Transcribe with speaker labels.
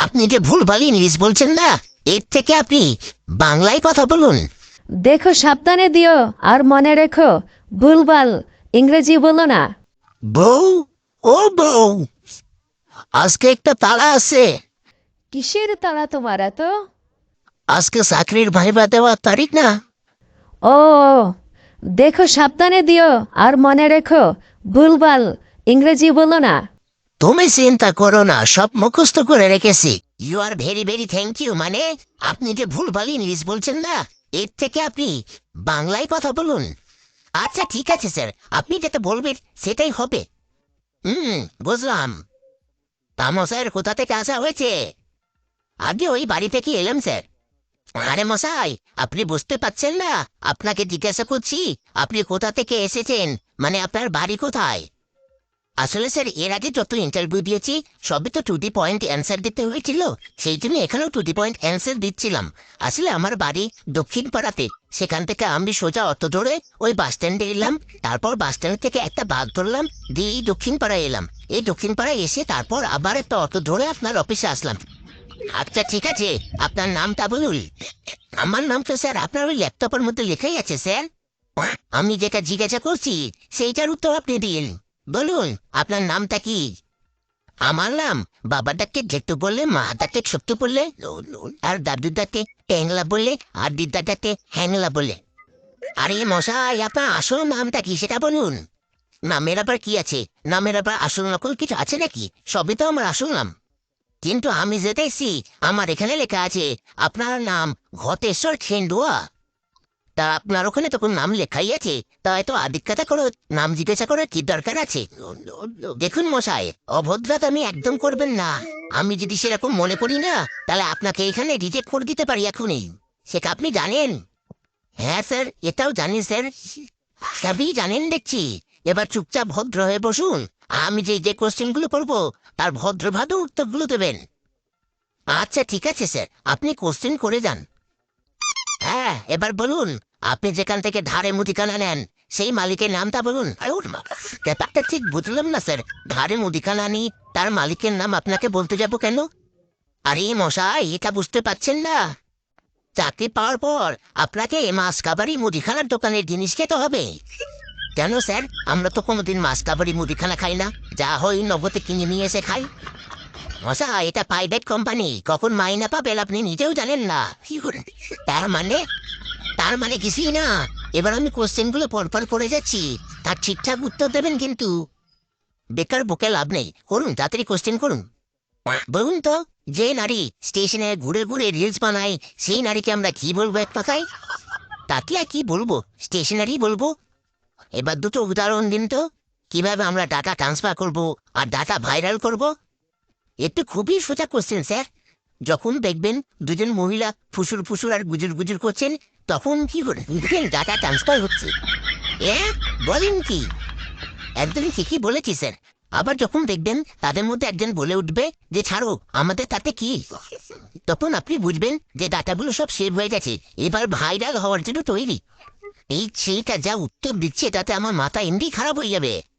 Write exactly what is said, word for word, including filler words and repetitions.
Speaker 1: আপনি যে ভুলভাল ইংলিশ বলছেন না, এর থেকে আপনি বাংলায় কথা বলুন।
Speaker 2: দেখো সাবধানে দিও, আর মনে রেখো ভুলভাল ইংরেজি বলো না।
Speaker 1: বউ, ও বউ, আজকে একটা তাড়া আছে।
Speaker 2: কিসের তাড়া তোমার এত?
Speaker 1: আজকে চাকরির ভাইবা দেওয়ার তারিখ না।
Speaker 2: ও, দেখো সাবধানে দিও, আর মনে রেখো ভুলভাল ইংরেজি বলো না।
Speaker 1: তুমি চিন্তা করো না, সব মুখস্থ করে রেখেছি। You are very very thank you. মানে আপনি যে ভুলভাল ইংলিশ বলছেন না, এর থেকে আপনি বাংলায় কথা বলুন। আচ্ছা ঠিক আছে স্যার, আপনি যেটা বলবেন সেটাই হবে। হুম, বুঝলাম। তামো স্যার, কোথা থেকে আসা হয়েছে? আগে ওই বাড়ি থেকে এলাম স্যার। আরে মশাই, আপনি বুঝতে পারছেন না? আপনাকে জিজ্ঞাসা করছি, আপনি কোথা থেকে এসেছেন, মানে আপনার বাড়ি কোথায়? আসলে স্যার, এর আগে যত ইন্টারভিউ দিয়েছি সবই তো টু দি পয়েন্ট অ্যান্সার দিতে হয়েছিল। সেই জন্য এখানেও টু দি পয়েন্ট অ্যান্সার দিচ্ছিলাম। আসলে আমার বাড়ি দক্ষিণ পাড়াতে। সেখান থেকে আমি সোজা অটো ধরে ওই বাস স্ট্যান্ডে এলাম। তারপর বাস স্ট্যান্ড থেকে একটা বাস ধরলাম, দিয়ে এই দক্ষিণ পাড়ায় এলাম। এই দক্ষিণ পাড়ায় এসে তারপর আবার একটা অটো ধরে আপনার অফিসে আসলাম। আচ্ছা ঠিক আছে, আপনার নামটা বলুন। আমার নাম তো স্যার আপনার ওই ল্যাপটপের মধ্যে লেখাই আছে স্যার। আমি যেটা জিজ্ঞাসা করছি সেইটার উত্তর আপনি দিন। বলুন, আপনার নামটা কি? আমার নাম, বাবা ডাকে জেঠু বললে, মা ডাকে ছোট্ট বললে, আর দাদু ডাকে ট্যাংলা বললে, আর দিদা ডাকে হ্যাংলা বলে। আরে মশাই, আপনার আসল নামটা কি সেটা বলুন। নামের আবার কি আছে? নামের আবার আসল নকল কিছু আছে নাকি? সবই তো আমার আসল নাম। কিন্তু আমি যেতেছি, আমার এখানে লেখা আছে আপনার নাম ঘটেশ্বর খেন্ডুয়া। তা আপনার ওখানে তখন নাম লেখাই আছে, তাই তো আদিক্যতা করে নাম জিজ্ঞাসা করার কি দরকার আছে? দেখুন মশাই, অভদ্রতা আমি একদম করবেন না। আমি যদি সেরকম মনে করি না, তাহলে আপনাকে এখানে রিজেক্ট করে দিতে পারি এখনই। সেটা আপনি জানেন? হ্যাঁ স্যার, এটাও জানি স্যার। সবই জানেন দেখছি। এবার চুপচাপ ভদ্র হয়ে বসুন। আমি যে যে কোশ্চেনগুলো করবো তার ভদ্রভাবে উত্তরগুলো দেবেন। আচ্ছা ঠিক আছে স্যার, আপনি কোশ্চেন করে যান। হ্যাঁ, এবার বলুন, আপনি যেখান থেকে ধারে মুদিখানা নেন সেই মালিকের নামটা বলুন। আরে ওর মা, ব্যাপারটা ঠিক বুঝলাম না স্যার। ধারে মুদিখানা নি, তার মালিকের নাম আপনাকে বলতে যাব কেন? আরে মশাই, এটা বুঝতে পারছেন না? চাকরি পাওয়ার পর আপনাকে মাছ কাবারি মুদিখানার দোকানের জিনিস খেতে হবে। কেন স্যার? আমরা তো কোনোদিন মাছ কাবারি মুদিখানা খাই না, যা হয় নগদে কিনে নিয়ে এসে খাই। মশাই, এটা প্রাইভেট কোম্পানি, কখন মাইনা পাবেন আপনি নিজেও জানেন না। তার মানে তার মানে কিছুই না। এবার আমি কোশ্চেনগুলো পরপর করে যাচ্ছি, তার ঠিকঠাক উত্তর দেবেন কিন্তু। বেকার বকে লাভ নেই, করুন তাড়াতাড়ি কোশ্চেন করুন। বলুন তো, যে নারী স্টেশনে ঘুরে ঘুরে রিলস বানায় সেই নারীকে আমরা কি বলবো এক কথায়? তাকে আর কি বলবো, স্টেশনারি বলবো। এবার দুটো উদাহরণ দিন তো, কিভাবে আমরা ডাটা ট্রান্সফার করব আর ডাটা ভাইরাল করব। একটু খুবই সোজা কোশ্চেন স্যার। যখন দেখবেন দুজন মহিলা ফুসুর ফুসুর আর গুজুর গুজুর করছেন, তখন কি করে বুঝবেন ডাটা ট্রান্সফার হচ্ছে। এ বলেন কি? একদম ঠিকই বলেছি স্যার। আবার যখন দেখবেন তাদের মধ্যে একজন বলে উঠবে যে ছাড়ো, আমাদের তাতে কি, তখন আপনি বুঝবেন যে ডাটাগুলো সব সেভ হয়ে গেছে, এবার ভাইরাল হওয়ার জন্য তৈরি। এই ছেলেটা যা উত্তর দিচ্ছে তাতে আমার মাথা এমনি খারাপ হয়ে যাবে।